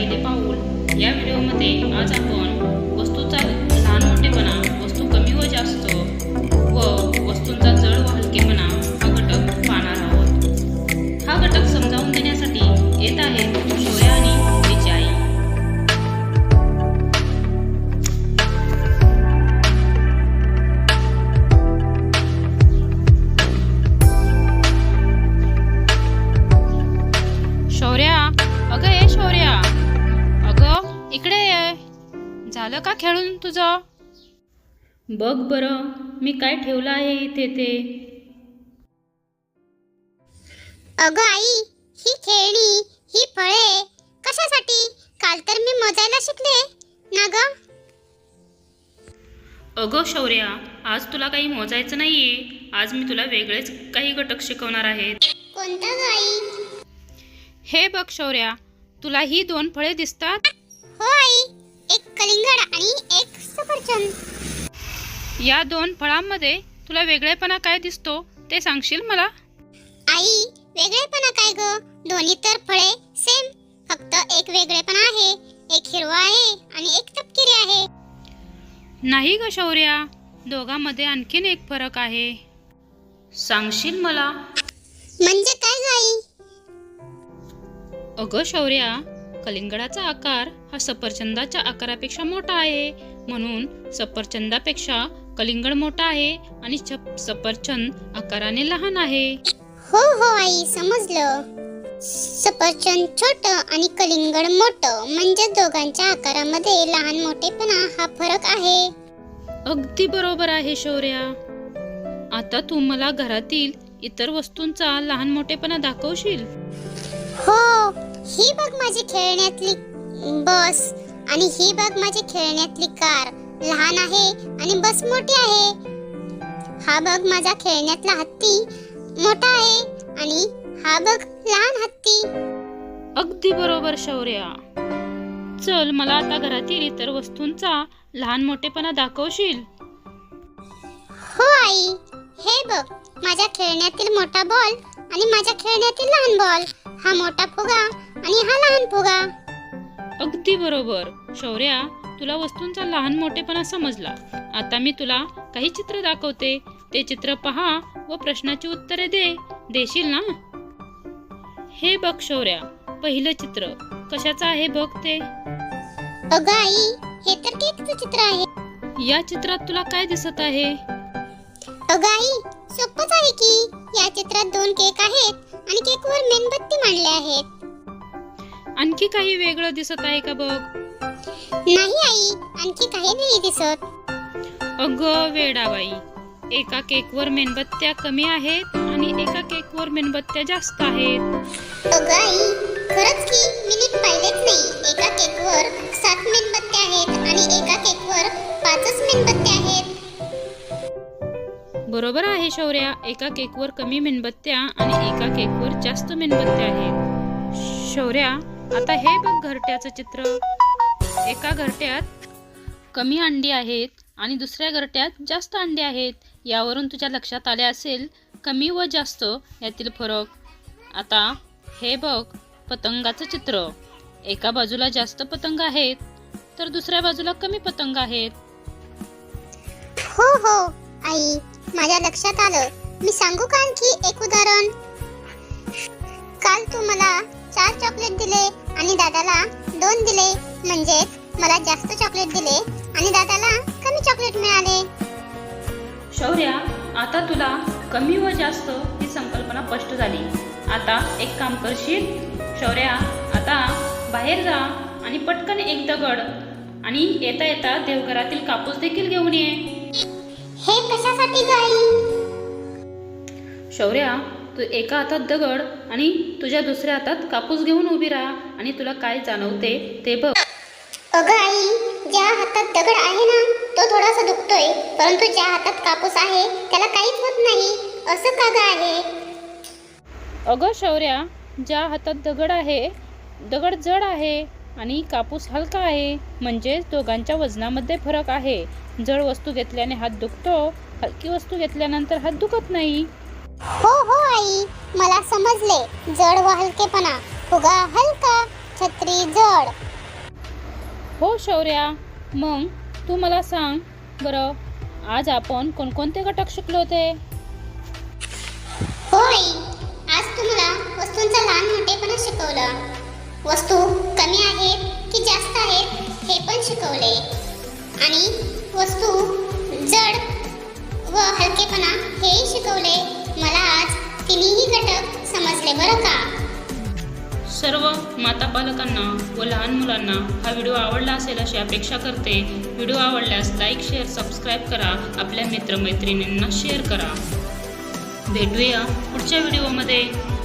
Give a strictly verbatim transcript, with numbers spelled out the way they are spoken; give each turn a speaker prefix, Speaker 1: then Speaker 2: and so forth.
Speaker 1: पहिले पाऊल या व्हिडिओमध्ये आज आपण वस्तूचा लहान मोठेपणा, वस्तू कमी व जास्त व वस्तूंचा जड व हलकेपणा हा घटक पाहणार आहोत. हा घटक समजावून देण्यासाठी येत आहेत शौर्य आणि तिची आई. शौर्या, अगं ये शौर्या, अगं इकडे ये. झालं का खेळून तुझं? बघ बरं मी काय ठेवलं आहे इथे ते.
Speaker 2: अगं आई, ही खेळणी, ही फळे कशासाठी? काल तर मी मोजायला शिकले ना ग.
Speaker 1: अगं शौर्या, आज तुला काही मोजायचं नाहीये. आज मी तुला वेगळेच काही घटक शिकवणार आहेत.
Speaker 2: कोणता ग आई?
Speaker 1: हे बघ शौर्या, तुला ही दोन फळे दिसतात?
Speaker 2: हो आई, एक कलिंगड आणि एक सफरचंद.
Speaker 1: या दोन फळांमध्ये तुला वेगळेपणा काय दिसतो ते सांगशील मला?
Speaker 2: आई, वेगळेपणा काय ग? दोन्ही तर फळे सेम, फक्त एक वेगळेपणा आहे. एक हिरवा आहे आणि एक तपकिरी आहे.
Speaker 1: नाही ग शौर्या, दोघांमध्ये आणखीन एक फरक आहे. सांगशील मला?
Speaker 2: म्हणजे काय ग आई?
Speaker 1: अगं शौर्या, कलिंगडाचा आकार हा सफरचंदाच्या आकारापेक्षा मोठा आहे, म्हणून सफरचंदापेक्षा कलिंगड मोठा आहे आणि सफरचंद आकाराने लहान आहे.
Speaker 2: हो हो आई, समजलं. सफरचंद छोटं आणि कलिंगड मोठं, म्हणजे दोघांच्या आकारामध्ये लहान मोठेपणा हा फरक आहे.
Speaker 1: अगदी बरोबर आहे शौर्या. आता तू मला घरातील इतर वस्तूंचा लहान मोठेपणा दाखवशील?
Speaker 2: हो, ही बघ माझी खेळण्यातली बस आणि ही बघ माझी खेळण्यातली कार. लहान आहे आणि बस मोठी आहे. हा बघ माझा खेळण्यातला हत्ती मोठा आहे आणि हा बघ लहान हत्ती.
Speaker 1: अगदी बरोबर शौर्या. चल, मला आता घरातील इतर वस्तूंचा लहान मोठेपणा दाखवशील?
Speaker 2: हो आई, हे बघ माझ्या खेळण्यातील मोठा बॉल आणि माझ्या खेळण्यातील लहान बॉल. हा मोठा फुगा आणि हा लहान फुगा.
Speaker 1: अगदी बरोबर शौर्या, तुला वस्तूंचा लहान मोठेपणा समजला. आता मी तुला काही चित्र दाखवते. ते चित्र पहा व प्रश्नाची उत्तरे दे. देशील ना? हे बघ शौर्या, पहिलं चित्र कशाचं आहे बघ ते.
Speaker 2: अगं आई, हे तर केकचं चित्र आहे.
Speaker 1: या चित्रात तुला काय दिसत आहे?
Speaker 2: अगं आई, सोपंच आहे की. या चित्रात दोन केक आहेत आणि केकवर मेणबत्ती मांडले आहेत.
Speaker 1: आणखी काही वेगळं दिसत आहे का बघ?
Speaker 2: नाही आई, आणखी काही नाही दिसत.
Speaker 1: अगं वेडाबाई, एका केकवर मेणबत्त्या कमी आहेत आणि एका केकवर मेणबत्त्या जास्त आहेत.
Speaker 2: अगं आई, खरंच की, मी नीट पाहिलेच नाही. एका केकवर सात मेणबत्त्या आहेत आणि एका केकवर पाचच मेणबत्त्या आहेत.
Speaker 1: बरोबर आहे शौर्या, एका केकवर कमी मेणबत्त्या आणि एका केकवर जास्त मेणबत्त्या आहेत. शौर्या, आता हे बघ घरट्याचं चित्र. एका घरट्यात कमी अंडी आहेत आणि दुसऱ्या घरट्यात जास्त अंडी आहेत. यावरून तुझ्या लक्षात आले असेल कमी व जास्त यातील फरक. आता हे बघ पतंगाचं चित्र. एका बाजूला जास्त पतंग आहेत तर दुसऱ्या बाजूला कमी पतंग आहेत.
Speaker 2: हो हो आई, माझ्या लक्षात आलं. मी सांगू का आणखी एक उदाहरण? काल तू मला चार चॉकलेट दिले आणि दादाला दोन दिले, म्हणजेच मला जास्त चॉकलेट दिले आणि दादाला कमी चॉकलेट मिळाले.
Speaker 1: शौर्या, आता तुला कमी व जास्त ही संकल्पना स्पष्ट झाली. आता एक काम करशील शौर्या, आता बाहेर जा आणि पटकन एक दगड आणि येता येता देवघरातील कापूस देखील घेऊन ये.
Speaker 2: हे कशासाठी ग आई?
Speaker 1: शौर्या, तू एका हातात दगड आणि तुझ्या दुसऱ्या हातात कापूस घेऊन उभी राहा आणि तुला काय जाणवते ते बघ.
Speaker 2: अगं आई, ज्या हातात दगड आहे ना तो थोडासा दुखतोय, परंतु ज्या हातात कापूस आहे त्याला काहीच होत नाही. असं का ग आहे?
Speaker 1: अगं शौर्या, ज्या हातात दगड आहे, दगड जड आहे आणि कापूस हलका आहे, म्हणजेच दोघांच्या वजनामध्ये फरक आहे. जड वस्तू घेतल्याने हात दुखतो, हलकी वस्तू घेतल्यानंतर हात दुखत नाही.
Speaker 2: हो हो आई, मला समजले. जड व हलकेपणा. फुगा हलका, छत्री जड.
Speaker 1: हो शौर्या, मग तू मला सांग बरं, आज आपण कोणकोणते घटक शिकलो होते?
Speaker 2: हो आई, आज तुम्हाला वस्तूंचा लहान मोठेपणा शिकवलं. वस्तू कमी आहेत की जास्त आहेत हे पण शिकवले. आणि वस्तू जड व हलकेपणा हेही शिकवले. मला आज तिन्ही घटक समजले बरं का.
Speaker 1: सर्व माता पालकांना व लहान मुलांना हा व्हिडिओ आवडला असेल अशी अपेक्षा करते. व्हिडिओ आवडल्यास लाईक, शेअर, सबस्क्राईब करा. आपल्या मित्रमैत्रिणींना शेअर करा. भेटूया पुढच्या व्हिडिओमध्ये.